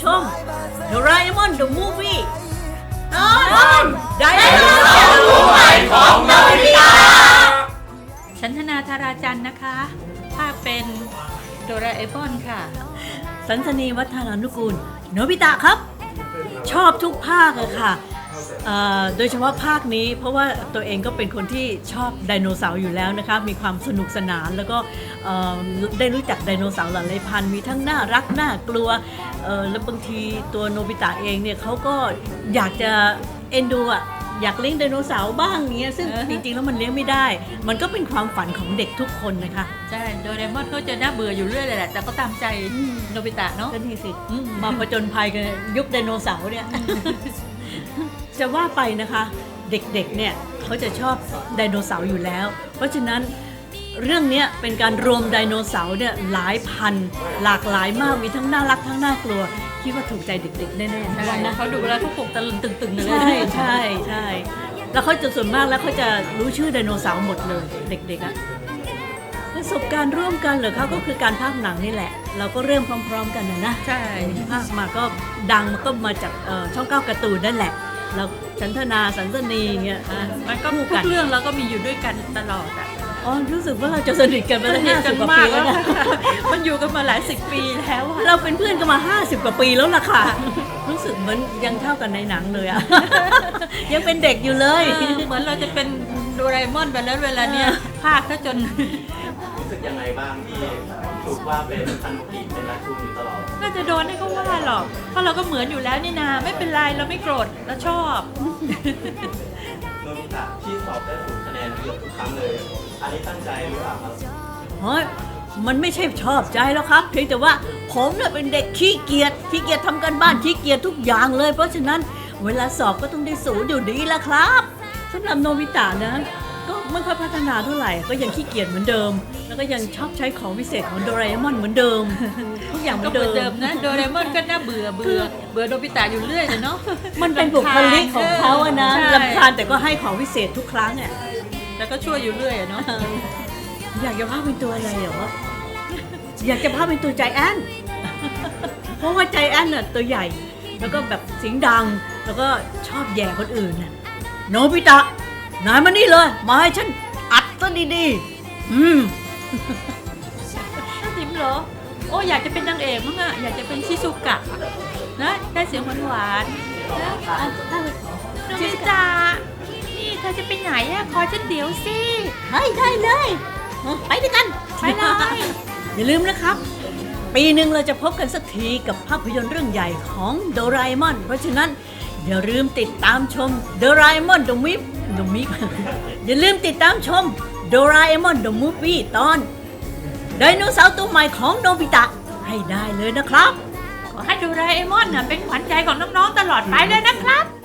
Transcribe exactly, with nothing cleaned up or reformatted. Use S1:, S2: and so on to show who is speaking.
S1: ชมโดราเอมอนเดอะมูฟวี่ตอนไดโนเสาร์ตัวใหม่ของโนบิตะ
S2: ฉันธนาธาราจันทร์นะคะภาคเป็นโดราเอมอนค่ะ
S1: สันสนีวัฒนานุกูลโนบิตะครับชอบทุกภาคอะค่ะโดยเฉพาะภาคนี้เพราะว่าตัวเองก็เป็นคนที่ชอบไดโนเสาร์อยู่แล้วนะคะมีความสนุกสนานแล้วก็ได้รู้จักไดโนเสาร์หลายพันธุ์มีทั้งน่ารักน่ากลัวแล้วบางทีตัวโนบิตะเองเนี่ยเขาก็อยากจะเอ็นดูอะอยากเลี้ยงไดโนเสาร์บ้างเงี้ยซึ่งจริงๆแล้วมันเลี้ยงไม่ได้มันก็เป็นความฝันของเด็กทุกคนนะคะ
S2: ใช่โดเรมอนเขาจะน่าเบื่ออยู่เรื่อยเลยแหละแต่ก็ตามใจโนบิตะเนาะ
S1: ก็นี่สิมาผจญภัยกันยุคไดโนเสาร์เนี่ยจะว่าไปนะคะเด็กๆเนี่ยเขาจะชอบไดโนเสาร์อยู่แล้วเพราะฉะนั้นเรื่องนี้เป็นการรวมไดโนเสาร์เนี่ยหลายพันหลากหลายมากมีทั้งน่ารักทั้งน่ากลัวคิดว่าถูกใจเด็กๆแน่ๆ
S2: ใช่นะเขาดูแล้วเขาปลุกตะลึงตึงๆเลย
S1: ใช่ใช่ใช่แล้วเขาจะส่วนมากแล้วเขาจะรู้ชื่อไดโนเสาร์หมดเลยเด็กๆอะประสบการณ์ร่วมกันเหรอเขาก็คือการพากย์หนังนี่แหละเราก็เริ่มพร้อมๆกันนะนะ
S2: ใช่
S1: พากย์มาก็ดังมันก็มาจากช่องเก้าการ์ตูนนั่นแหละเราฉันธนาสันสนีเงี้ย
S2: มันก็ทุกเรื่องเราก็มีอยู่ด้วยกันตลอดอ่ะ
S1: อ๋อรู้สึกว่าเราจะสนิทกันมาตั้งห้าสิบกว่าปีแล้วนะ
S2: มันอยู่กันมาหลายสิบปีแล้ว
S1: เราเป็นเพื่อนกันมาห้าสิบกว่าปีแล้วล่ะค่ะรู้สึกเหมือนยังเท่ากันในหนังเลยอ่ะยังเป็นเด็กอยู่เลย
S2: เหมือนเราจะเป็นโดราเอมอนไปแล้วเวลาเนี้ยภาคถ้าจน
S3: รู้สึกยังไงบ้างที่ถูกว่าเป็นพันธุกิจเป็นรักชูอยู่ตลอด
S2: น่าจะโดนให้เขาว่าหรอกเพราะเราก็เหมือนอยู่แล้วนี่นาไม่เป็นไรเราไม่โกรธเราชอบ
S3: โนบิตะที่สอบได้สูงคะแนนเกือบทุกครั้งเลยอันนี้ตั้งใจหรือเปล่าครับ
S1: เฮ้ยมันไม่ใช่ชอบใจแล้วครับเพียงแต่ว่าผมเนี่ยเป็นเด็กขี้เกียจขี้เกียจทำการบ้านขี้เกียจทุกอย่างเลยเพราะฉะนั้นเวลาสอบก็ต้องได้ศูนย์อยู่ดีละครับสำหรับโนบิตะนะก็ไม่ค่อยพัฒนาเท่าไหร่ก็ยังขี้เกียจเหมือนเดิมแล้วก็ยังชอบใช้ของพิเศษของโดราเอมอนเหมือนเดิมทุกอย่างเหมือนเดิม
S2: นะโดราเอมอนก็น่าเบื่อเบื่อเบื่อโนบิตะอยู่เรื่อยเลยเนาะ
S1: มันเป็นบุคลิกของเขาอะนะรำคาญแต่ก็ให้ของพิเศษทุกครั้งอ่ะ
S2: แล้วก็ช่วยอยู่เรื่อยเนาะ
S1: อยากจะพาเป็นตัวอะไรเหรออยากจะพาเป็นตัวใจแอนเพราะว่าใจแอนน่ะตัวใหญ่แล้วก็แบบเสียงดังแล้วก็ชอบแย่คนอื่นน่ะโนบิตะนายมานี่เลยมาให้ฉันอัดซะดีๆอืม
S2: น่าจิ้มเหรอโอ้อยากจะเป็นนางเอกมั้งอะอยากจะเป็นชิซุกะนะได้เสียงหวานๆนะโนบิตะนี่เธอจะไปไหนอะขอฉันเดี๋ยวสิ
S1: ได้ได้เลยไปด้วยกัน
S2: ไปเลย
S1: อย่าลืมนะครับปีหนึ่งเราจะพบกันสักทีกับภาพยนตร์เรื่องใหญ่ของโดราเอมอนเพราะฉะนั้นอย่าลืมติดตามชมโดราเอมอนเดอะมิฟเดอะมิฟอย่าลืมติดตามชมโดราเอมอนเดอะมูฟวี่ตอนไดโนเสาร์ตัวใหม่ของโนบิตะให้ได้เลยนะครับ
S2: ขอให้โดราเอมอนเป็นขวัญใจของน้องๆตลอดไปเลยนะครับ